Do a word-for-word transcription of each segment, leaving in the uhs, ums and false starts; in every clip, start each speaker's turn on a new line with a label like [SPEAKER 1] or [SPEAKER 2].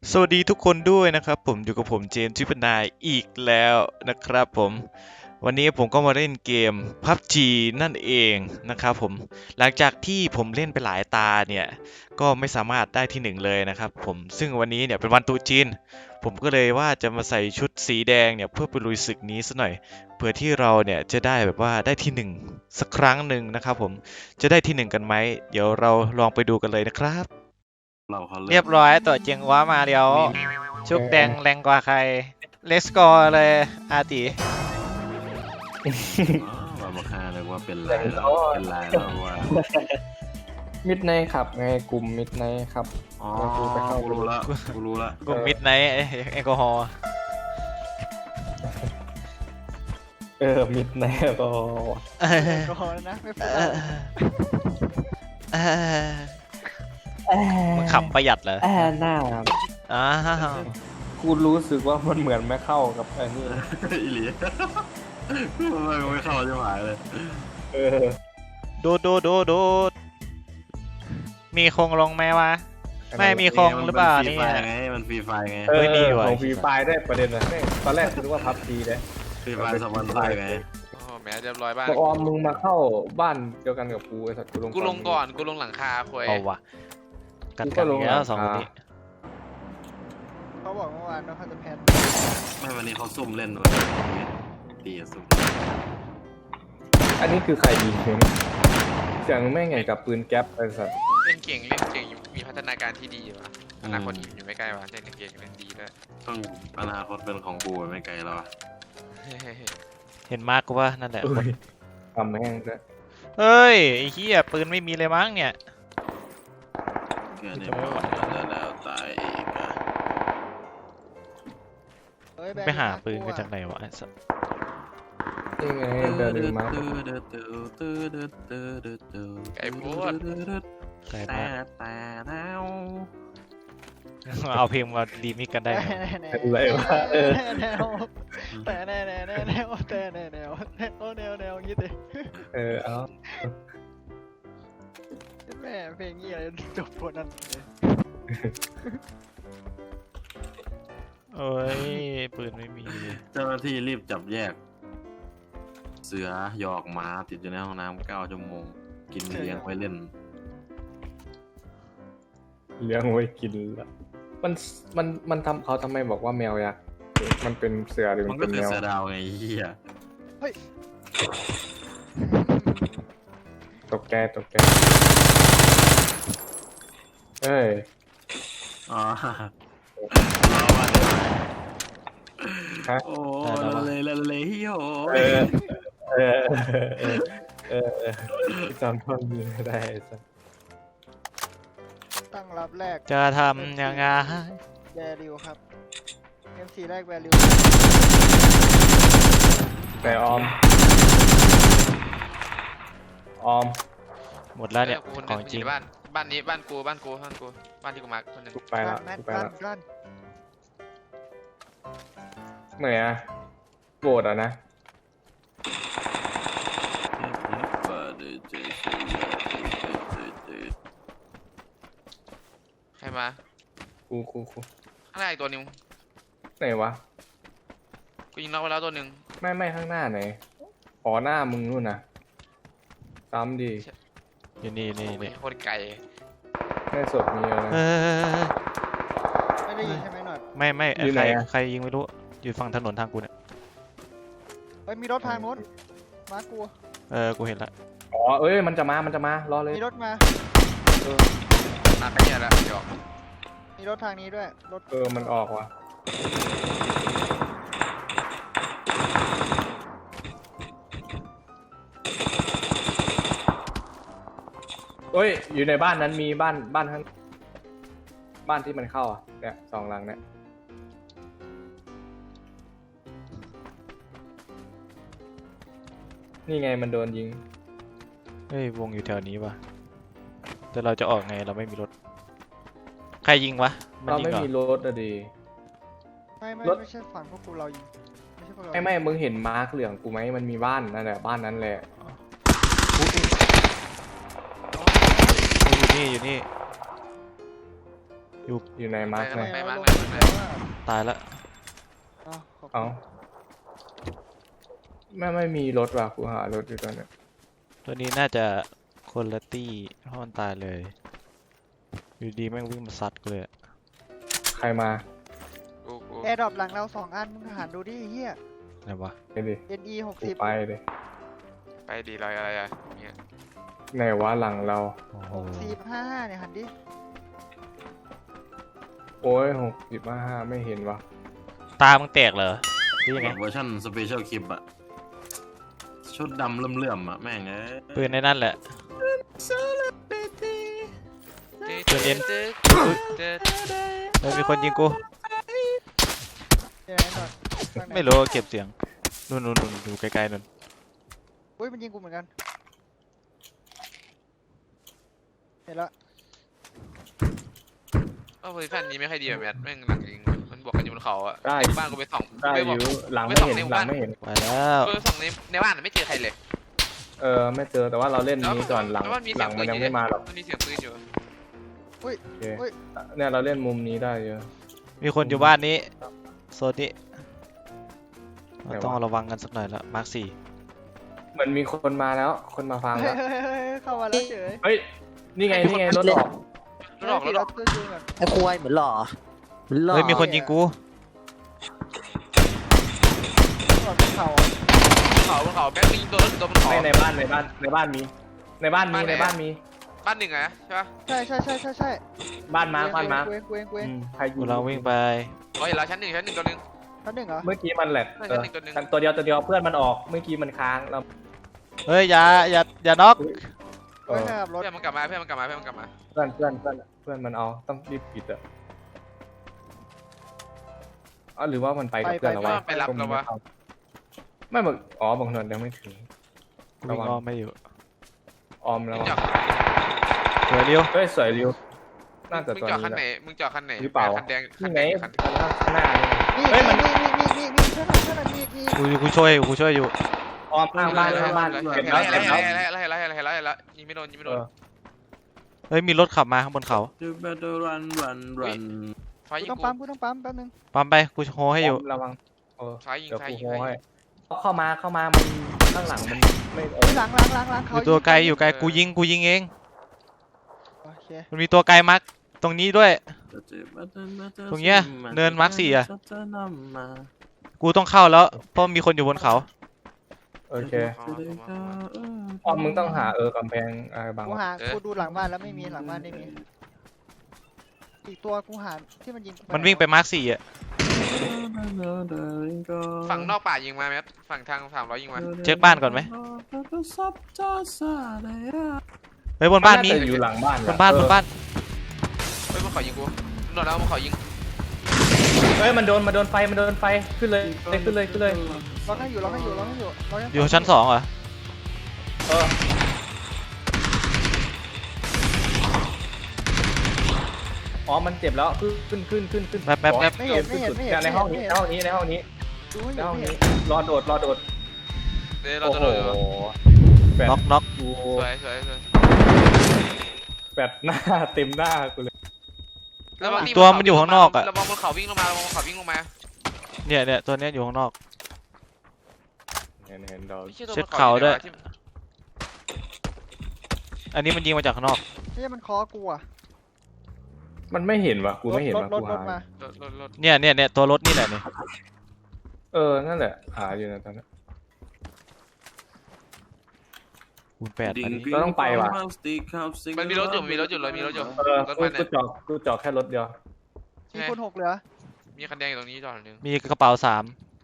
[SPEAKER 1] สวัสดีทุกคนด้วยนะครับผมอยู่กับผมเจมส์ทริปนายอีกแล้วนะครับผมวันนี้ผมก็มาเล่นเกม พับจี นั่นเองนะครับผมหลังจากที่ผมเล่นไปหลายตาเนี่ยก็ไม่สามารถได้ที่หนึ่งเลยนะครับผมซึ่งวันนี้เนี่ยเป็นวันตรุษจีนผมก็เลยว่าจะมาใส่ชุดสีแดงเนี่ยเพื่อไปลุยศึกนี้ซะหน่อยเพื่อที่เราเนี่ยจะได้แบบว่าได้ที่หนึ่งสักครั้งหนึ่งนะครับผมจะได้ที่หนึ่งกันไหมเดี๋ยวเราลองไปดูกันเลยนะครับ
[SPEAKER 2] เราเขาเริ่
[SPEAKER 3] เรีย
[SPEAKER 2] ม
[SPEAKER 3] บร้อยตัวเจียงว้ามาเดียว
[SPEAKER 2] มี
[SPEAKER 3] ชุกแดงแรงกว่าใครเลสกอร์เลยอาติ
[SPEAKER 2] อ๋อมาบอกฮาเลยว่าเป็นลายแล้วเป็นลายแล้วว่า
[SPEAKER 4] มิดไนท์ครับไงกลุ่มมิดไนท์ครับ
[SPEAKER 2] อ๋อ
[SPEAKER 4] แล้วกูไปเข้า
[SPEAKER 2] กูรู้ละกูรู้ละ
[SPEAKER 3] กลุ่มมิดไนท์แอลกอฮอล์
[SPEAKER 4] เออมิดไนท์ก็
[SPEAKER 3] แอลกอฮอล์นะไม่พูดมึงขำประหยัดเหรอ
[SPEAKER 4] แอบหน้า
[SPEAKER 3] อ้าว
[SPEAKER 4] กูรู้สึกว่ามันเหมือนไม่เข้ากับอันนี้
[SPEAKER 2] อีหลีมันไม่เข้าจะหายเลย
[SPEAKER 4] เออ
[SPEAKER 3] โดดโดดโดดโดดมีคงลงไหมวะ ไม่มีคงหรือเปล่า
[SPEAKER 2] มันฟรี
[SPEAKER 3] นี่
[SPEAKER 2] ไฟไงมันฟรีไฟไง
[SPEAKER 4] เอ
[SPEAKER 3] เฮ้
[SPEAKER 4] อย
[SPEAKER 3] มีอยู่อะ
[SPEAKER 4] ของฟรีไฟล์ได้ประเด็นนะแม่งตอนแรกกูนึกว่าพับจีเลย
[SPEAKER 2] ฟรีไฟสปอนเซอร์ไง
[SPEAKER 5] โอ้แหมเรียบร้อยบ้าน
[SPEAKER 4] บอกออมมึงมาเข้าบ้านเดียวกันกับกูไอ้สัตว์กูลง
[SPEAKER 5] กูลงก่อน กูลงหลังคาคุย
[SPEAKER 3] เอาวะกันกันอีกแล้วสองคนนี้
[SPEAKER 6] เขาบอกเมื่อวานว่าเขาจะแพน
[SPEAKER 2] ไม่วันนี้เขาซุ่มเล่นด้วยตีซุ่ม
[SPEAKER 4] อันนี้คือใครยิงเพลงเสียงแม่งไงกับปืนแก๊ปไอ้สัตว์
[SPEAKER 5] เล่นเก่งเล่นเก่งมีพัฒนาการที่ดีวะอนาคตอยู่ไม่ใกล้วะเล่นเก่งเล่นดีด้วย
[SPEAKER 2] ต้องอนาคตเป็นของกูไม่ไกลแล้วอะ
[SPEAKER 3] เห็นมาร์กกูว่านั่นแหละ
[SPEAKER 4] อุ้ยทำแม่งด้วย
[SPEAKER 3] เฮ้ยไอ้เหี้ยปืนไม่มีเลยมั้งเนี่ย
[SPEAKER 2] แค่นี้พอแล้วแล้วตายอีกอะ
[SPEAKER 6] เฮ้ยแบง
[SPEAKER 3] ไป
[SPEAKER 6] ค์
[SPEAKER 3] หา
[SPEAKER 6] น่
[SPEAKER 3] ปืน
[SPEAKER 6] กลัว
[SPEAKER 3] กันจากไหนวะไอ้สัส
[SPEAKER 4] นี่ไงเดินมา
[SPEAKER 5] ไก่พูด
[SPEAKER 3] ไกล
[SPEAKER 2] แต่
[SPEAKER 3] มาก
[SPEAKER 2] แต่แล้ว
[SPEAKER 3] เอาเพลงมารีมิกกันได้ไหม
[SPEAKER 4] อะไรวะเออ
[SPEAKER 6] แนวแต่แนวแนวแนวแนวแต่แนวแนวแนวแนวแนวอย่างงี้สิ
[SPEAKER 4] เออเอา
[SPEAKER 6] แม่เพลงงี้อะไรจบคนนั้นเลย
[SPEAKER 3] โอ้ยปืนไม่มี
[SPEAKER 2] เจ้าหน้าที่รีบจับแยก เสือหยอกหมาติดอยู่ในห้องน้ำเก้าชั่วโมง กินเลี้ยงไว้เล่น
[SPEAKER 4] เลี้ยงไว้กินละมันมันมันทำเขาทำไมบอกว่าแมวยักษ์มันเป็นเสือหรือ
[SPEAKER 2] มั
[SPEAKER 4] มัน น
[SPEAKER 2] ก็
[SPEAKER 4] เป็น
[SPEAKER 2] คือ
[SPEAKER 4] แมว
[SPEAKER 2] เสือดาวไงเฮีย
[SPEAKER 4] ตกแกตกแกเอ้ย
[SPEAKER 2] อ๋อรอมาได้ไหม
[SPEAKER 4] ฮะ
[SPEAKER 2] โอ้ละเลยละเลยเฮียโอ้
[SPEAKER 4] เออเออเออเออเออจำท่อนนี้ไม่ได้สัก
[SPEAKER 6] ตั้งรับแรก
[SPEAKER 3] จะทำยังไง
[SPEAKER 6] แวริวครับเอ็มซีแรกแวริว
[SPEAKER 4] แต่ออม ออม
[SPEAKER 3] หมดแล้วเนี่ย
[SPEAKER 5] กูคนห
[SPEAKER 3] ข
[SPEAKER 5] นึ่
[SPEAKER 3] อง งจริง
[SPEAKER 5] บ้านบ้านนี้บ้านกูบ้านกูบ้านกูบ้านที่กูมาคนหนึ่ง
[SPEAKER 4] กูไปละ
[SPEAKER 6] แมน
[SPEAKER 4] กูไป
[SPEAKER 6] รัน
[SPEAKER 4] ละ
[SPEAKER 6] รัน
[SPEAKER 4] เหนื่อยอะโกรธอ่ะนะ
[SPEAKER 5] ใครมา
[SPEAKER 4] กูกูกู
[SPEAKER 5] ข้างหน้าอีกตัวหนึง
[SPEAKER 4] ไหนวะ
[SPEAKER 5] กูยิงน็อกไปแล้วตัวหนึ่ง
[SPEAKER 4] ไม่ไม่ข้างหน้าไหนอ๋อหน้ามึงนู่นนะซ้ำดี
[SPEAKER 3] อยู่นี่นี่
[SPEAKER 5] โอ้ย
[SPEAKER 3] นี่
[SPEAKER 5] โคตรไกล
[SPEAKER 4] ในศพมีอะไร
[SPEAKER 3] เออ
[SPEAKER 6] ไม่ได้ยินใช่ไหมหนอด
[SPEAKER 3] ไม่ไม่
[SPEAKER 4] อยู่
[SPEAKER 3] ใค
[SPEAKER 4] ไหน
[SPEAKER 3] ร
[SPEAKER 4] อะ
[SPEAKER 3] ใครยิงไม่รู้อยู่ฝั่งถนนทางกูเนี่ย
[SPEAKER 6] เฮ้ยมีรถทางโน้นมากู
[SPEAKER 3] เออกูเห็นละ
[SPEAKER 4] อ๋อเอ้ยมันจะมามันจะมารอเลย
[SPEAKER 6] มีรถมา
[SPEAKER 5] มาขยันแล้วหยอก
[SPEAKER 6] มีรถทางนี้ด้วยรถ
[SPEAKER 4] เออมันออกว่ะเอ้ยอยู่ในบ้านนั้นมีบ้านบ้านข้างบ้านที่มันเข้าอ่ะเนี่ยสองหลังเนี่ยนี่ไงมันโดนยิง
[SPEAKER 3] เฮ้ยวงอยู่แถวนี้วะแต่เราจะออกไงเราไม่มีรถ ใครยิงวะมัน
[SPEAKER 4] เรา
[SPEAKER 3] ยิง
[SPEAKER 4] ไม่
[SPEAKER 3] เหรอ
[SPEAKER 4] มีรถอะดี
[SPEAKER 6] ไม่ไม่
[SPEAKER 4] รถ
[SPEAKER 6] ไม่ใช่ฝั่งพวกกูเรายิงไม่ใช่พวกเรา
[SPEAKER 4] ไม่ไม่มึงเห็นมาร์คเหลืองกูไหมมันมีบ้านนั่นแหละบ้านนั้นแหละ
[SPEAKER 3] อยู่นี่อยู่นี่
[SPEAKER 4] อยู่ในมาร์คไหน
[SPEAKER 5] ไปมา
[SPEAKER 6] ลง
[SPEAKER 5] ไปมาไปมา
[SPEAKER 3] ตายละ
[SPEAKER 6] เอาขอบคุณ
[SPEAKER 4] เอาไม่ไม่มีรถว่ะกูหารถอยู่ตอนเนี้ย
[SPEAKER 3] ตัวนี้น่าจะคนละตี้เพราะมันตายเลยอยู่ดีแม่งวิ่งมาซัดกูเลยอะ
[SPEAKER 4] ใครมา
[SPEAKER 5] กูกู
[SPEAKER 6] แอร์ดรอปหลังเราสองอันมึงหันดูดิไอ้เฮีย
[SPEAKER 3] อะไรวะ
[SPEAKER 4] ไปดิ
[SPEAKER 6] เอ็นอีหก
[SPEAKER 4] กู
[SPEAKER 6] สิบ
[SPEAKER 4] ไปเลย
[SPEAKER 5] ไปดีอะไรอะไรอะเนี่ย
[SPEAKER 4] ไหนวะหลังเรา
[SPEAKER 3] โอ้โห
[SPEAKER 6] สี่ห้าห้าเนี่ยหันดิ
[SPEAKER 4] โอ้ยหกสิบห้าไม่เห็นวะ
[SPEAKER 3] ตามึงแตกเหรอหรือยังไง
[SPEAKER 2] เวอร์ชันสเปเชียลคลิปอะชุดดำเลื่อมๆอะแม่งเอ้ย
[SPEAKER 3] ปืนในนั่นแหละ
[SPEAKER 5] ตึ๊ดตึ๊ดตึ๊ดตึ๊ด
[SPEAKER 3] เฮ้ยมีคนยิงกู
[SPEAKER 6] เดี๋ยวหน่อยข้างหน
[SPEAKER 3] ไม่รู้เก็บเสียงนู่นนู่นนู่นดูไกลๆนู่น
[SPEAKER 6] อุ้ยมันยิงกูเหมือนกันเห็นละ
[SPEAKER 5] เออโพซิชันนี้ไม่ค่อยดีแบบแมทแม่งหลังยิงมันบวกกันอยู่บนเขาอะ
[SPEAKER 4] ได้
[SPEAKER 5] บ้านกูไปส่อง
[SPEAKER 4] ได้
[SPEAKER 5] ไป
[SPEAKER 4] อบ
[SPEAKER 5] อก
[SPEAKER 4] ยู่หลังไม่เห็นหลังไม่เห็น
[SPEAKER 3] ไปแล้ว
[SPEAKER 5] ไปส่องในในบ้านไม่เจอใครเลย
[SPEAKER 4] เออไม่เจอแต่ว่าเราเล่นนี้ก่อนหลัง
[SPEAKER 5] แต่ว่ามี
[SPEAKER 4] ห
[SPEAKER 5] เสี
[SPEAKER 4] ลั
[SPEAKER 5] ย
[SPEAKER 4] ง
[SPEAKER 5] ง
[SPEAKER 4] มันยังไม่มาหรอก
[SPEAKER 5] มันมีเสียงปืนอยู่
[SPEAKER 4] โอเคเนี่ยเราเล่นมุมนี้ได้เยอะ
[SPEAKER 3] มีคนอยู่บ้านนี้โซนนี้
[SPEAKER 4] ไหนวะ
[SPEAKER 3] เราต้องระวังกันสักหน่อยละมาร์คสี่
[SPEAKER 4] เหมือนมีคนมาแล้ว คนมาฟัง
[SPEAKER 6] เฮ้
[SPEAKER 4] แล้
[SPEAKER 6] ยว เฮ้ยเฮ้ยเฮ้ยเข้ามาแล้วเฉย
[SPEAKER 4] เฮ้ยนี่ไงนี่ไงรถออก
[SPEAKER 5] รถออกรถออก
[SPEAKER 6] เฮ้ยขี่รถก่อน
[SPEAKER 7] ไอ้ควายเหมือนหล่อเหมือนหล่อ
[SPEAKER 3] เฮ้ยมีคนยิงกู
[SPEAKER 6] ก่อนเป็นเขาอะ
[SPEAKER 5] เขาบนเขาแม่งมีตัวรถตัวบนเขา
[SPEAKER 4] ไม่ในบ้านในบ้านในบ้านมี ในบ้านมีในบ้านมี
[SPEAKER 5] บ้านหนึ่งอะใช่ปะ
[SPEAKER 6] ใช่ใช่ใช่ใช่ใช่
[SPEAKER 4] บ้านมาบ้านมา
[SPEAKER 6] เกวงเกวงเกวง
[SPEAKER 4] อืมใครยิ
[SPEAKER 3] กูเราวิ่งไป
[SPEAKER 5] อ๋อเห็นแล้วชั้นหนึ่งชั้นหนึ่งตัวหนึ่ง
[SPEAKER 6] ชั้นหนึ่งเหรอ
[SPEAKER 4] เมื่อกี้มันแหลก
[SPEAKER 5] ไม่
[SPEAKER 4] เอ
[SPEAKER 5] ใช่
[SPEAKER 4] อ
[SPEAKER 5] หนึ่งตัวหนึ่ง
[SPEAKER 4] ตัวเดียวตัวเดียวเพื่อนมันออกเมื่อกี้มันค้างเรา
[SPEAKER 3] เฮ้ยอย่าอย่าอย่าน็อก
[SPEAKER 4] เอ
[SPEAKER 6] เฮ้ย
[SPEAKER 4] อ
[SPEAKER 6] ขับรถ
[SPEAKER 5] เพื่อนมันกลับมาเพื่อนมันกลับมาเพื่อนมันกลับมา
[SPEAKER 4] เพื่อนเพื่อนเพื่อนเพื่อนมันเอาต้องรีบปิดอะอ๋อหรือว่ามันไปกับเพื่อนเราวะ
[SPEAKER 5] ไปรับเราวะ
[SPEAKER 4] ไม่บอกอ๋อบางนนยังไม่ถึง
[SPEAKER 3] กูวิ่งอ้อมไม่อยู่
[SPEAKER 4] ออมแล้ว
[SPEAKER 5] มึงจอด
[SPEAKER 3] สวยเร็ว
[SPEAKER 4] เฮ้ยสวยริวน่าจะ
[SPEAKER 5] มึง
[SPEAKER 4] ตัว
[SPEAKER 5] จอด
[SPEAKER 4] นี้
[SPEAKER 5] คัน
[SPEAKER 4] แห
[SPEAKER 5] ไหน
[SPEAKER 4] ละ
[SPEAKER 5] มึงจอดคันไหน
[SPEAKER 4] หรือเปล่า
[SPEAKER 5] คันแดงคัน
[SPEAKER 4] นี่
[SPEAKER 5] แด
[SPEAKER 4] ไง
[SPEAKER 5] งคัน
[SPEAKER 4] ข้างหน้านี่
[SPEAKER 6] นี่
[SPEAKER 4] เฮ้ยมัน
[SPEAKER 6] นี่นี่นี่นี่นี่เพื่อนหน่อยเพื่อนหน่อยมีมี
[SPEAKER 3] กูกูช่วยกูช่วยอยู่
[SPEAKER 4] ออมข้างบ้านข้างบ้าน
[SPEAKER 5] เห็
[SPEAKER 4] เก็
[SPEAKER 5] น
[SPEAKER 4] บ
[SPEAKER 5] แล้
[SPEAKER 4] แล้ว ว
[SPEAKER 5] เห็น
[SPEAKER 4] เก็บ
[SPEAKER 5] แล้
[SPEAKER 4] แล้ว ว
[SPEAKER 5] เห็นแล้วเห็นแล้วเห็นแล้วเห็นแล้วยิงไม่โดนยิงไม่
[SPEAKER 4] เอ
[SPEAKER 5] โดน
[SPEAKER 4] อ
[SPEAKER 3] เฮ้ยมีรถขับมาข้างบนเขา
[SPEAKER 2] You better run run run
[SPEAKER 5] ฟ้า
[SPEAKER 6] กู
[SPEAKER 5] ยิง
[SPEAKER 6] ต้อง
[SPEAKER 5] กู
[SPEAKER 6] ปั๊มกูต้องปั๊มแป๊บนึง
[SPEAKER 3] ปั๊มไปกูโฮให้อยู่
[SPEAKER 4] ระวังเออ
[SPEAKER 5] ฟ้ายิง
[SPEAKER 4] เดี๋ยว
[SPEAKER 5] ฟ้า
[SPEAKER 4] กู
[SPEAKER 5] ยิง
[SPEAKER 4] โฮ
[SPEAKER 5] ฟ้า
[SPEAKER 4] ให้
[SPEAKER 5] ยิง
[SPEAKER 4] เข้ามาเข้ามามันข้างหลังมันไม่เออ
[SPEAKER 6] หลังหลังหลังหลัง
[SPEAKER 3] อ
[SPEAKER 6] เขา
[SPEAKER 3] ยู่ตัวไกลอยู่ไกลกูยิงกูยิงเอง
[SPEAKER 6] โอเค
[SPEAKER 3] มันมีตัวไกลมาร์คตรงนี้ด้วย ตรงเนี้ยเนินมาร์คสี่อะ กูต้องเข้าแล้วเพราะมีคนอยู่บนเขา
[SPEAKER 4] โอเค
[SPEAKER 5] อ๋อมามา
[SPEAKER 4] ออมมึงต้องหาเออกำแพงอะไรบาง
[SPEAKER 6] กูหากูดูหลังบ้านแล้วไม่มีหลังบ้านไม่มีอีกตัวกูหาที่มันยิงกู
[SPEAKER 3] มันวิ่งไปมาร์คสี่อ่ะ
[SPEAKER 5] ฝั่งนอกป่ายิงมาไหมฝั่งทางสามร้อยยิงมา
[SPEAKER 3] เช็คบ้านก่อนไหม เฮ้ยบนบ้านมี
[SPEAKER 4] จะอยู่หลังบ้าน
[SPEAKER 3] บนบ้านบนบ้าน
[SPEAKER 5] เฮ้ยมันขอยิงกูโดนแล้วมันขอยิง
[SPEAKER 4] เฮ้ยมันโดนมันโดนไฟมันโดนไฟขึ้นเลยขึ้นเลยขึ้นเลย
[SPEAKER 6] ล็อกให้อยู่ล็อกให้อยู่ล็อกให้อยู่ล็อกให้
[SPEAKER 3] อยู่ชั้นสองเหรอ
[SPEAKER 4] เอออ๋อมันเจ็บแล้วขึ้นขึ้นขึ้นขึ้น
[SPEAKER 3] แป๊บแป๊บแป๊บ
[SPEAKER 6] ไม่เห็นไม่เห็นไม่เห็น
[SPEAKER 4] ในห้องนี้ในห้องนี้ในห้องนี้
[SPEAKER 6] ดูให้อ
[SPEAKER 4] ใน
[SPEAKER 6] ยู่
[SPEAKER 4] ห้อง
[SPEAKER 6] ไม่
[SPEAKER 4] นี้
[SPEAKER 6] เห็น
[SPEAKER 4] รอโดดรอโดด
[SPEAKER 5] เดี๋ยวเรา
[SPEAKER 4] โอ้
[SPEAKER 5] จะ
[SPEAKER 4] โห
[SPEAKER 5] โดน
[SPEAKER 4] แบบ
[SPEAKER 3] น็อกน็อก
[SPEAKER 4] กู
[SPEAKER 5] สวยสวยสวย
[SPEAKER 4] แบบหน้าเต็มหน้ากูเลย
[SPEAKER 5] ระวัง
[SPEAKER 3] อีกตัวมันอยู่ข้างนอกอะ
[SPEAKER 5] ระวังบนเขาวิ่งลงมาระวังบนเขาวิ่งลงมา
[SPEAKER 3] เนี่ยเนี่ยตัวเนี้ยอยู่ข้างนอก
[SPEAKER 4] เห็นเห็นเรา
[SPEAKER 5] ไม่ใช่ตัว
[SPEAKER 3] เช็ด
[SPEAKER 5] บน
[SPEAKER 3] เขาด้วย
[SPEAKER 5] ที่
[SPEAKER 3] อันนี้มันยิงมาจากข้างนอก
[SPEAKER 6] ไม่ใช่มันคอกูอ่ะ
[SPEAKER 4] มันไม่เห็นว่ะกูไม่เห็น
[SPEAKER 6] รถ
[SPEAKER 4] ว่ะ
[SPEAKER 6] ร
[SPEAKER 4] กู
[SPEAKER 6] ถรถ
[SPEAKER 4] หา
[SPEAKER 6] มา
[SPEAKER 5] รถรถรถ
[SPEAKER 3] เนี่ยเนี่ยเนี่ยตัวรถนี่แหละเนี่ย
[SPEAKER 4] เออนั่นแหละหาอยู่นะตอนนี้
[SPEAKER 3] คูณแปดอันนี้
[SPEAKER 4] เราต้องไปว่ะ
[SPEAKER 5] มันมีรถอยู่มีรถอยู่เลยมีรถอยู่
[SPEAKER 4] เออ
[SPEAKER 5] รถ
[SPEAKER 4] กู
[SPEAKER 5] มัน
[SPEAKER 4] กู
[SPEAKER 5] เนี่ย
[SPEAKER 4] จอดกูจอดแค่รถเดียว
[SPEAKER 6] มีคนหกเหลือ
[SPEAKER 5] มีคันแดงอยู่ตรงนี้จอดหนึ่ง
[SPEAKER 3] มีกระเป๋าสาม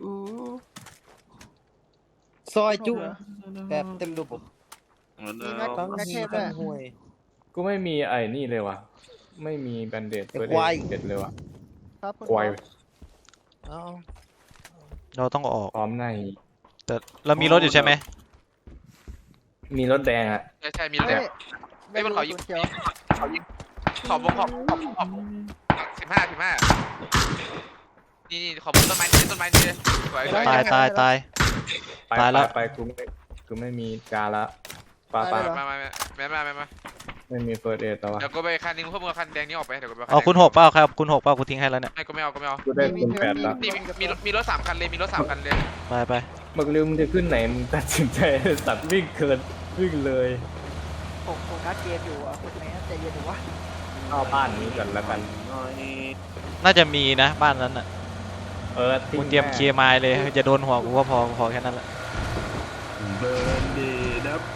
[SPEAKER 7] ซอยจุ
[SPEAKER 6] เหลือ
[SPEAKER 7] แบบเต็มระบบ
[SPEAKER 6] มีแม็ก
[SPEAKER 7] ทั้ง
[SPEAKER 6] แม็กเท
[SPEAKER 7] ฮี
[SPEAKER 6] พด้ว
[SPEAKER 7] ทั้
[SPEAKER 6] ย
[SPEAKER 7] งห่วย
[SPEAKER 4] กูไม่มีไอ้นี่เลยว่ะไม่มีแบนเดด
[SPEAKER 7] ไอ้
[SPEAKER 4] เฟิร์ส
[SPEAKER 7] ควาย
[SPEAKER 4] เด็ดเลยว่ะ
[SPEAKER 6] ครับคุณ
[SPEAKER 4] ควาย
[SPEAKER 7] เอ้า
[SPEAKER 3] เราต้องออก
[SPEAKER 4] พร้อมใน
[SPEAKER 3] แต่เรามีรถอยู่ใช่ไหม
[SPEAKER 4] มีรถแดงอ่ะ
[SPEAKER 5] ใช่ใช่มีรถแด
[SPEAKER 6] เฮ้
[SPEAKER 5] ง
[SPEAKER 6] ย
[SPEAKER 5] เฮ้ยมันขอยิง
[SPEAKER 6] เขียว
[SPEAKER 5] เขายิงขอบบงขอบขอบขอบสิบห้าสิบห้านี่นี่ขอบบนต้นไม้นี่ต้นไม้นี่สวยสวย
[SPEAKER 3] ตายตายตาย
[SPEAKER 4] ไป
[SPEAKER 3] ตายแล้ว
[SPEAKER 4] ไปไปกูไม่กูไม่มีการละปา
[SPEAKER 6] ตาย
[SPEAKER 4] ปา
[SPEAKER 6] แล้วเหรอ
[SPEAKER 5] มามามามามามามา
[SPEAKER 4] ไม่มีเฟิร์สเอทแต่ว่า
[SPEAKER 5] เดี๋ยวกูไปคันนึงเพิ่มเอาคันแดงนี้ออกไปเดี๋ยวกูไป
[SPEAKER 3] เอาคุณหกเปล่าครับคุณหกเปล่ากูทิ้งให้แล้วเนี่ย
[SPEAKER 5] ไม่กูไม่เอากูไม่เอา
[SPEAKER 4] กูได้คูณแปดละ
[SPEAKER 5] นี่มีมีรถมีรถสามคันเลยมีรถสามคันเลย
[SPEAKER 3] ไปไป
[SPEAKER 4] มึงลืมมึงจะขึ้นไหนมึงตัดสินใจสัตว์วิ่งเกินวิ่งเลย
[SPEAKER 6] ผมโฟกัสเกมอยู่อ่ะคุณแม่ใจเย็นดูวะ
[SPEAKER 4] เข้าบ้านนี้ก่อนแล้วกัน
[SPEAKER 3] น่าจะมีนะบ้านนั้นอ่ะ
[SPEAKER 4] เออทิ้
[SPEAKER 3] กู
[SPEAKER 4] ง
[SPEAKER 3] เตรียมเคลียร์ไมล์เลยจะโดนหัวกูก็พอพอแค่นั้นแหละ
[SPEAKER 2] เบิร์นดีดับ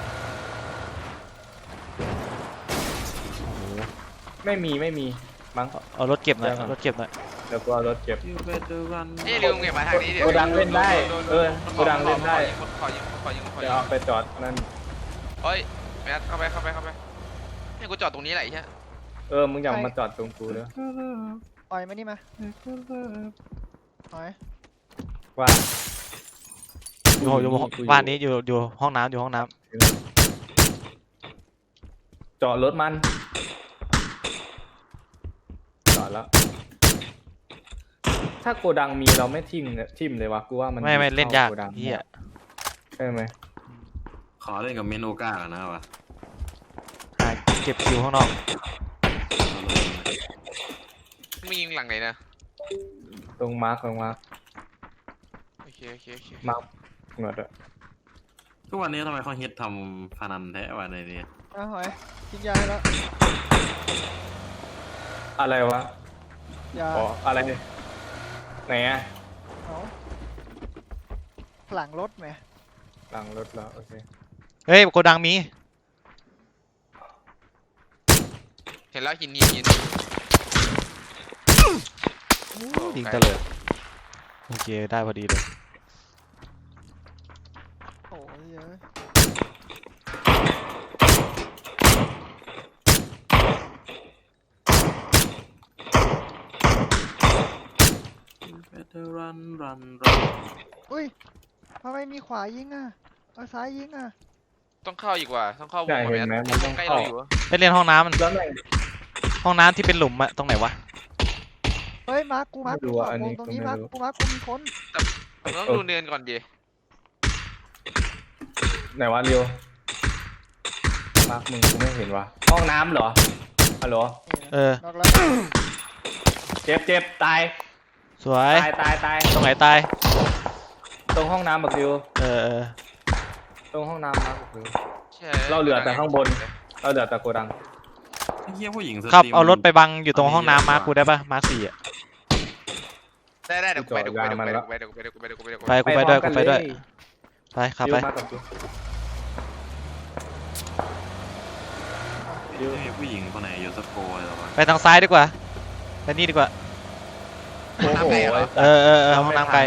[SPEAKER 3] โอ้โห
[SPEAKER 4] ไม่มีไม่มีมั้ง
[SPEAKER 3] เอารถเก็บหน่อย
[SPEAKER 4] ได้ครับ
[SPEAKER 3] เอารถเก็บหน่อย
[SPEAKER 4] เดี๋ยวกูเอารถเก็บ
[SPEAKER 2] ยูเบเตอร์รัน
[SPEAKER 5] นี่ลืมเก็บมาทางนี้เดี๋ยว
[SPEAKER 4] โกดังเล่นได้เออโกดังเล่นได้
[SPEAKER 5] ขอยิงขอยิงขอ
[SPEAKER 4] เดี๋
[SPEAKER 5] ยิ
[SPEAKER 4] ยว
[SPEAKER 5] ง
[SPEAKER 4] เอาไปจอดนั่น
[SPEAKER 5] เฮ้ยแมทเข้าไปเข้าไปเข้าไปเนี่ยกูจอดตรงนี้แหละไอ้เหี้ย
[SPEAKER 4] เออมึงอย่ามาจอดตรงกูเด้อ
[SPEAKER 6] ปล่อยมานี่มาปล่อย
[SPEAKER 4] ว่า
[SPEAKER 3] อยู่อยู่บ้านนี้อยู่อยู่ห้องน้ำอยู่ห้องน้
[SPEAKER 4] จอดรถมันจอดแล้ว ถ้าโกดังมีเราไม่ทิมเนี่ยทิมเลยวะกูว่ามัน
[SPEAKER 3] ำไม่ไม่เล่นยาก
[SPEAKER 4] ข้โดัง
[SPEAKER 3] เฮีย
[SPEAKER 4] ใช่ไหม
[SPEAKER 2] ขอเล่นกับเมนโอกากันนะวะ
[SPEAKER 3] หาเก็บคิวข้างนอก
[SPEAKER 5] มึงยิงหลังไหนนะ
[SPEAKER 4] ตรงมาร์คตรงมาร์ค
[SPEAKER 5] โอเคโอเคโอเค
[SPEAKER 4] มาร์คหนวดอะ
[SPEAKER 2] ทุกวันนี้ทำไมเขาฮิตทำพนันแท้วันในนี้
[SPEAKER 6] เอาหอยทิ้งยาให้แล้ว
[SPEAKER 4] อะไรวะ
[SPEAKER 6] ยา
[SPEAKER 4] อ๋ออะไรไหนอะ
[SPEAKER 6] เอาหลังรถไหม
[SPEAKER 4] หลังรถแล้วโอเค
[SPEAKER 3] เฮ้ยโกดังมี
[SPEAKER 5] เห็นแล้วหินหินหิน
[SPEAKER 3] ยิงตะเลยโอเคได้พอดีเลย
[SPEAKER 6] โอ้ยเยอะ
[SPEAKER 2] ยูเบเตอร์รันรันรัน
[SPEAKER 6] อุ้ยทำไมมีขวายิงอ่ะเอาซ้ายยิงอ่ะ
[SPEAKER 5] ต้องเข้าอีกว่าต้องเข้าวง
[SPEAKER 4] ใช่
[SPEAKER 5] ก่อน
[SPEAKER 4] เห็นไหม
[SPEAKER 5] แม
[SPEAKER 4] มัน
[SPEAKER 5] ท
[SPEAKER 4] ต้อง
[SPEAKER 5] ใกล้
[SPEAKER 4] เข้า
[SPEAKER 5] เราอยู่อะ
[SPEAKER 3] ไปเล่นห้องน้ำมัน
[SPEAKER 4] แล้วไหน
[SPEAKER 3] ห้องน้ำที่เป็นหลุมอะตรงไหนวะ
[SPEAKER 6] เฮ้ยมาร์คกูมาร์ค
[SPEAKER 4] ไม่
[SPEAKER 6] กู
[SPEAKER 4] รู้
[SPEAKER 6] ข
[SPEAKER 4] อ่ะ
[SPEAKER 6] อบ
[SPEAKER 4] อัน
[SPEAKER 6] ว
[SPEAKER 4] นี้
[SPEAKER 6] งตรง
[SPEAKER 4] ก็
[SPEAKER 6] นี้
[SPEAKER 4] ไม่
[SPEAKER 6] มาร์ค
[SPEAKER 4] รู้
[SPEAKER 6] กูมาร์คกูมีคน
[SPEAKER 5] ผมต้องดูเนินก่อนดิ
[SPEAKER 4] ไหนวะเรียวมาร์คมึงกูไม่เห็นวะห้องน้ำเหรอฮัลโหล
[SPEAKER 3] เออ
[SPEAKER 6] นอกแล้ว
[SPEAKER 4] เจ็บเจ็บตาย
[SPEAKER 3] สวย
[SPEAKER 4] ตายตายตาย
[SPEAKER 3] ตรงไหนตาย
[SPEAKER 4] ตรงห้องน้ำบักดิว
[SPEAKER 3] เออเออ
[SPEAKER 4] ตรงห้องน้ำมาบักดิว
[SPEAKER 5] ใช่
[SPEAKER 4] เราเหลือแต่ข้างบน เราเดือดแต่โกดัง
[SPEAKER 2] ไอ้เหี้ยผู้หญิงส
[SPEAKER 3] ครับ
[SPEAKER 2] ตม
[SPEAKER 3] เอารถไปบังอยู่ตรงห้องน้ำมาร์คกูได้ปะมาร์คสี่อะ
[SPEAKER 5] ได้ได้เดี๋ยวกูไปเดี๋ยวกูไปเดี๋ยวกูไปเดี๋ยวกูไปเดี๋ยวกูไปเดี๋ยวกูไปเดี๋ยวกู
[SPEAKER 3] ไป
[SPEAKER 5] ไป
[SPEAKER 3] กูไปด้วย
[SPEAKER 4] พร้
[SPEAKER 3] กู
[SPEAKER 4] อม
[SPEAKER 3] ไปด้วย
[SPEAKER 4] เลย
[SPEAKER 3] ไปขับ
[SPEAKER 4] ดิ
[SPEAKER 3] ไป
[SPEAKER 4] วมากับดิว
[SPEAKER 2] ดิวผู้หญิงคนไหนอยู่สโกเลยหรอวะ
[SPEAKER 3] ไปทางซ้ายดีกว่าไปนี่ดีกว่า
[SPEAKER 4] โอ้โห
[SPEAKER 3] เออเออเออห้องน้ำไกล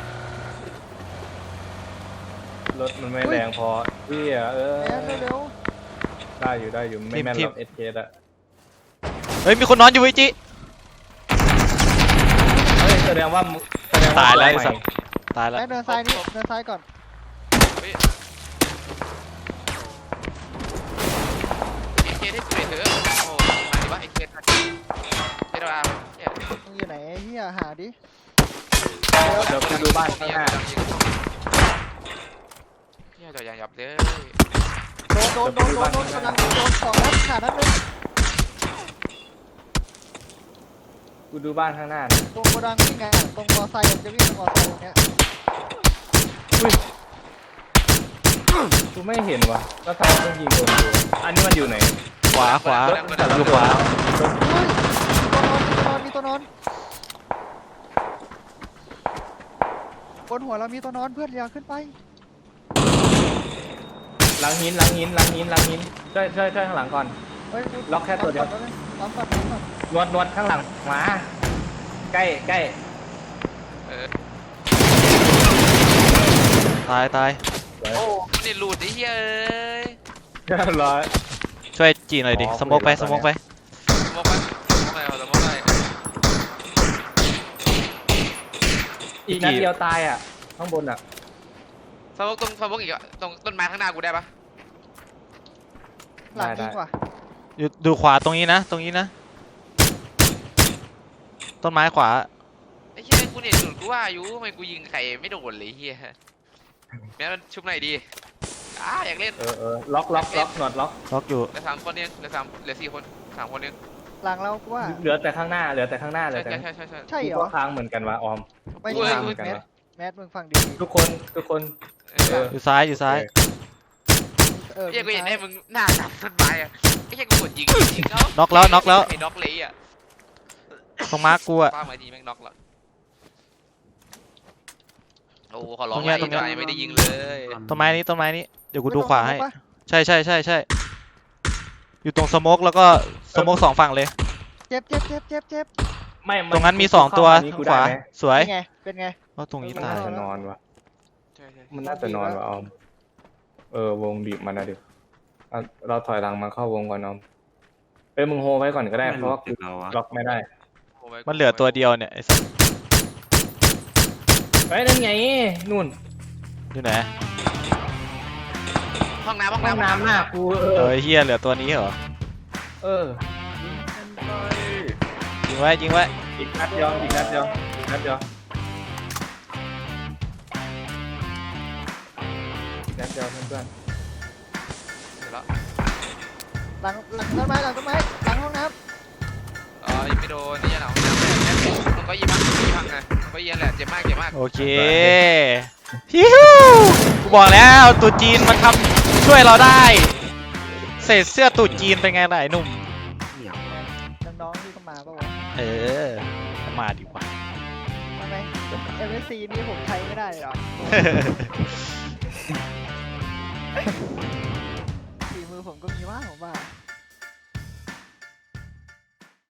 [SPEAKER 4] รถมันไม่แรงพอเพี่ยเออ
[SPEAKER 6] แอนเร็ว
[SPEAKER 4] ได้อยู่ได้อยู่ไม่แม่นหรอกเอสเคอะ
[SPEAKER 3] เฮ้ยมีคนนอนอยู่ไอ้จิ
[SPEAKER 4] เฮ้ยแสดงว่ามึงแสดงว่า
[SPEAKER 3] ตายแล้วไอ้
[SPEAKER 4] ใหม่
[SPEAKER 3] สัตว์ ตาย
[SPEAKER 6] ๆ
[SPEAKER 3] แล้ว
[SPEAKER 6] แอนเดินซ้ายนี่เดินซ้ายก่อน
[SPEAKER 5] เอเคได้กูเลยเถอะโอ้มาดิวะเอเคทันเจดอาร์เนี่ย
[SPEAKER 6] มึงอยู่ไหนไอ้เฮียหาดิ
[SPEAKER 4] เดี๋ยวกูดูบ้านข้างหน้า
[SPEAKER 5] เนี่ยจอดยางยับเลย
[SPEAKER 6] โดนโดนโดนโดนโดนกำลังโดนสองนัดขาดนัดนึง
[SPEAKER 4] กูดูบ้านข้างหน้านะ
[SPEAKER 6] ตรงโกดังนี่ไงอะตรงมอไซค์จะวิ่งตรงมอไซค์ตรงเนี้ย
[SPEAKER 4] กูไม่เห็นว่ะแล้วทำไมต้องยิงโดนกูอันนี้มันอยู่ไหน
[SPEAKER 3] ขวาขวา
[SPEAKER 4] รถมันจอด
[SPEAKER 3] อยู่ขวา
[SPEAKER 6] เฮ้ยตัวนอนมีตัวนอนมีตัวนอนบนหัวเรามีตัวนอนเพื่อนอย่าขึ้นไป
[SPEAKER 4] หลังหินหลังหินหลังหินหลังหินช่วยช่วยช่วยข้างหลังก่อน
[SPEAKER 6] เฮ้ย
[SPEAKER 4] ล็อกแค่ตัวเดียว
[SPEAKER 6] ล็อกก่อนล็อกก่อน
[SPEAKER 4] นวดนวดข้างหลังมาใกล้ใกล้
[SPEAKER 5] เออ
[SPEAKER 3] ตายตาย
[SPEAKER 5] โอ้นี่หลุดไอ้เหี้ยเอ้ย
[SPEAKER 4] เรียบร้อย
[SPEAKER 3] ช่วยจีหน่อยดิ
[SPEAKER 4] อ๋อ
[SPEAKER 3] สโมกไป
[SPEAKER 4] คุ
[SPEAKER 3] ส
[SPEAKER 4] ย
[SPEAKER 3] โม
[SPEAKER 4] กับ
[SPEAKER 3] กไป
[SPEAKER 5] สมองไปสมองอะไรสมองอะไร
[SPEAKER 4] อีกนัดเดียวตายอ่ะข้างบนอ่ะ
[SPEAKER 5] สมองตรงสมองอีกอะตรงต้นไม้ข้างหน้ากูได้ปะ
[SPEAKER 6] หลังยิงว่ะ
[SPEAKER 3] อยู่ดูขวาตรงนี้นะ ตรงนี้นะ ต้นไม้ขวา
[SPEAKER 5] ไอ้เหี้ยกูเนี่ยจุดกูว่าอยู่ทำไมกูยิงไข่ไม่โดนเลยเหี้ยแม้มันชุบหน่อยดีอ่าอยากเล่น
[SPEAKER 4] เออเออล็อกล็อกล็อกหนวดล็อก
[SPEAKER 3] ล็อกอยู่
[SPEAKER 5] เหลือสามคนเองเหลือสามเหลือสี่คนสามคนเอง
[SPEAKER 6] หลังเรากูว่า
[SPEAKER 4] เหลือแต่ข้างหน้าเหลือแต่ข้างหน้าเหลื
[SPEAKER 5] ใช่
[SPEAKER 4] อแต่
[SPEAKER 5] ใช่ใช่ใช่ใช่
[SPEAKER 6] ใช่เหร
[SPEAKER 4] กู
[SPEAKER 6] อ
[SPEAKER 4] ก็ค้างเหมือนกันวะออม
[SPEAKER 6] ไม่
[SPEAKER 4] กู
[SPEAKER 6] ใช่
[SPEAKER 4] ค้างเหมือนกัน
[SPEAKER 6] แมท
[SPEAKER 4] วะ
[SPEAKER 6] แมทมึงฟังดี
[SPEAKER 4] ทุกคนทุกคน
[SPEAKER 5] เอ
[SPEAKER 4] เอ
[SPEAKER 5] อ
[SPEAKER 4] อ
[SPEAKER 3] อยู่ซ้ายอยู่ซ้าย
[SPEAKER 6] เออ
[SPEAKER 5] ไอ้เหี้ยกูเห็น
[SPEAKER 6] ซ้า
[SPEAKER 5] ไอ้
[SPEAKER 6] ย
[SPEAKER 5] มึงหน้ากับต้นไม้อะไอ้เหี้ยกูกดยิงยิงเขา
[SPEAKER 3] น็อกแล้วน็อกแล้ว
[SPEAKER 5] ไอ้น็อกเลยอ่ะ
[SPEAKER 3] ตรงมาร์กกูอะ
[SPEAKER 5] ป้ามาดีแม่งน็อกแล้วโอ้ขอร้อง
[SPEAKER 3] ตรงเนี้ย
[SPEAKER 5] ไอ้
[SPEAKER 3] ตรงเนี้ย
[SPEAKER 5] ไอ้ไม่ได้ยิงเลย
[SPEAKER 3] ต้นไม้นี้ต้นไม้นี้เดี๋ยวกู
[SPEAKER 6] ไม่
[SPEAKER 3] ดู
[SPEAKER 6] ต้อง
[SPEAKER 3] ขวาให้
[SPEAKER 6] ปะ
[SPEAKER 3] ใช่ใช่ใช่ใช่อยู่ตรงสโมกแล้วก็สโมกสองฝั่งเลย
[SPEAKER 6] เจ็บเจ็บเจ็บเจ็บเจ็บ
[SPEAKER 4] ไม่
[SPEAKER 3] ตรงนั้นมีสองตัว
[SPEAKER 4] เข้
[SPEAKER 3] ทาง
[SPEAKER 4] กู
[SPEAKER 3] ขวา
[SPEAKER 4] ได้ไหม
[SPEAKER 3] สวย
[SPEAKER 6] เป็นไงเป็นไง
[SPEAKER 3] เพราะตรงนี้
[SPEAKER 4] มัน
[SPEAKER 3] ตาย
[SPEAKER 4] น่าจะนอนวะ
[SPEAKER 5] ใช่ใช่
[SPEAKER 4] มันน่าจะนอนวะออมเออวงบีบมันนะดิเอาเราถอยหลังมาเข้าวงก่อนออมเอ้ยมึงโฮไว้ก่อนก็ได้
[SPEAKER 2] ไม่
[SPEAKER 4] เพ
[SPEAKER 2] รู้
[SPEAKER 4] ราะว่า
[SPEAKER 2] ติดเราวะ
[SPEAKER 4] ล็อกไม่ได้
[SPEAKER 5] โไว้
[SPEAKER 3] มันเหลือตัวเดียวเนี่ยไอ้สัส
[SPEAKER 4] เฮ้ยนั่นไงนู่น
[SPEAKER 3] อยู่ไหน
[SPEAKER 5] ห้องน้ำห้อง
[SPEAKER 4] ห้อง
[SPEAKER 5] น้ำ
[SPEAKER 4] น้ำหน้ากูเอ
[SPEAKER 3] เอ
[SPEAKER 4] อ
[SPEAKER 3] อเฮียเหลือตัวนี้เหรอ
[SPEAKER 4] เออ
[SPEAKER 3] ยิงไว้ยิงไว้
[SPEAKER 4] อีกนัดเดียวอีกนัดเดียวอีกนัดเดียวอีกนัดเดียวเพื่อน
[SPEAKER 5] เสร็จแล้ว
[SPEAKER 6] หลังหลังต้นไม้หลังต้นไม้หลังห้องน้
[SPEAKER 5] เออยิงไม่โดนนี่ยันหลังห้องน้ำแหละแม่มันก็ยิงพังยิงพังไงมันก็ยิงแหละเจ็บมากเจ็บมาก
[SPEAKER 3] โอเคฮิวกูบอกแล้วตูดจีนมันทำช่วยเราได้เศษเสื้อตูดจีนเป็นไงล่ะไอ้หนุ่ม
[SPEAKER 2] เหนียว
[SPEAKER 6] ำน้องๆที่เข้ามาปะวะ
[SPEAKER 3] เออมาดีกว่า
[SPEAKER 6] ทำไมเอ็มเอสซีนี่ผมใช้ไม่ได้เหรอฝีมือผมก็มีว่าผมว่า